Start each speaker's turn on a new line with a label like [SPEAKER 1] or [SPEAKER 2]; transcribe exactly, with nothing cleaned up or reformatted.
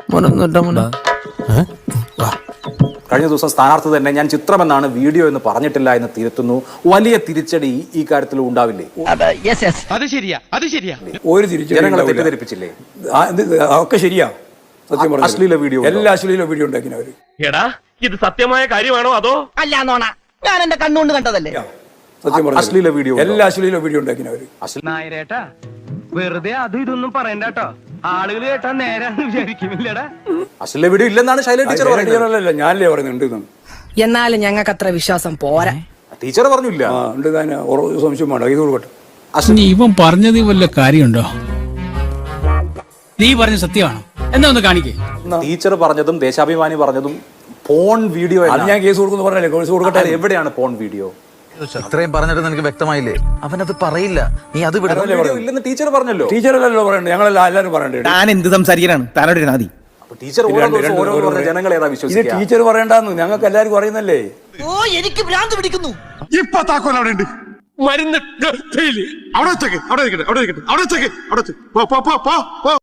[SPEAKER 1] കഴിഞ്ഞ ദിവസം സ്ഥാനാർത്ഥി തന്നെ ഞാൻ ചിത്രമെന്നാണ് വീഡിയോ എന്ന് പറഞ്ഞിട്ടില്ല എന്ന് തിരുത്തുന്നു. വലിയ തിരിച്ചടി ഈ കാര്യത്തിൽ ഉണ്ടാവില്ലേ?
[SPEAKER 2] അത് ശരിയാ അത് ശരിയാ
[SPEAKER 3] ഒരു തിരിച്ചടി
[SPEAKER 1] ജനങ്ങളെ തെറ്റിദ്ധരിപ്പിച്ചില്ലേ?
[SPEAKER 3] ഒക്കെ ശരിയാ. സത്യം പറഞ്ഞു,
[SPEAKER 1] അശ്ലീല വീഡിയോ,
[SPEAKER 3] എല്ലാ അശ്ലീല വീഡിയോ ഉണ്ടാക്കിനവര്.
[SPEAKER 2] എടാ ഇത് സത്യമായ കാര്യമാണോ അതോ അല്ല? ഞാൻ എന്റെ കണ്ണുകൊണ്ട് കണ്ടതല്ലേ.
[SPEAKER 3] സത്യം പറഞ്ഞു,
[SPEAKER 1] അശ്ലീല വീഡിയോ,
[SPEAKER 3] എല്ലാ അശ്ലീല വീഡിയോ ഉണ്ടാക്കിനവര്.
[SPEAKER 2] നായരേട്ടാ വെറുതെ അതും ഇതൊന്നും പറയണ്ട കേട്ടോ. ആളുകൾ കേട്ടാ നേരാന്ന് വിചാരിക്കുന്നില്ലടാ.
[SPEAKER 1] അശ്ലീല വീഡിയോ ഇല്ലെന്നാണ് ശൈല ടീച്ചർ പറയുന്നത്.
[SPEAKER 3] ഞാനല്ലേ പറയുന്നുണ്ട്.
[SPEAKER 4] എന്നാലും ഞങ്ങൾക്ക് അത്ര വിശ്വാസം പോരാ.
[SPEAKER 1] ടീച്ചർ പറഞ്ഞില്ല.
[SPEAKER 3] ആ ഉണ്ട്, താൻ സംശയം വേണ്ട, ഇത് കൊടുക്കട്ടെ.
[SPEAKER 5] ഇവൻ പറഞ്ഞതിൽ വല്ല കാര്യമുണ്ടോ? നീ പറഞ്ഞ സത്യമാണോ? എന്താ ഒന്ന് കാണിക്കേ.
[SPEAKER 1] ടീച്ചർ പറഞ്ഞതും ദേശാഭിമാനി പറഞ്ഞതും പോൺ വീഡിയോ.
[SPEAKER 3] അത് ഞാൻ കേസ് കൊടുക്കുന്നു പറഞ്ഞല്ലേ, കേസ് കൊടുക്കട്ടെ.
[SPEAKER 1] എവിടെയാണ് പോൺ വീഡിയോ?
[SPEAKER 6] ഇത്രയും പറഞ്ഞിട്ട് നിനക്ക് വ്യക്തമായില്ലേ? അവനത് പറയില്ല, നീ അത്
[SPEAKER 1] ഇല്ലെന്ന് ടീച്ചർ പറഞ്ഞല്ലോ.
[SPEAKER 3] ടീച്ചറല്ലോ പറയണ്ടേ, ഞങ്ങളെല്ലാം എല്ലാവരും പറയണ്ടേ.
[SPEAKER 7] താൻ എന്ത് സംസാരിക്കാനാണ്? താനോട് നാദി
[SPEAKER 1] ടീച്ചർ ജനങ്ങൾ ഏതാ
[SPEAKER 3] ഇത്
[SPEAKER 1] വിശ്വസിക്കുക?
[SPEAKER 3] ടീച്ചർ പറയണ്ടെന്ന് ഞങ്ങൾക്ക് എല്ലാവർക്കും അറിയുന്നല്ലേ.
[SPEAKER 4] ഓ എനിക്ക് ഭ്രാന്ത് പിടിക്കുന്നു.
[SPEAKER 8] ഇപ്പൊ താക്കോൽ അവിടെ ഉണ്ട്. മരുന്ന് അവിടെ വെച്ചേക്ക്, അവിടെ ഇരിക്കട്ടെ, അവിടെ ഇരിക്കട്ടെ, അവിടെ വെച്ചേക്ക്, അവിടെ വെച്ച് പോ പോ പോ പോ.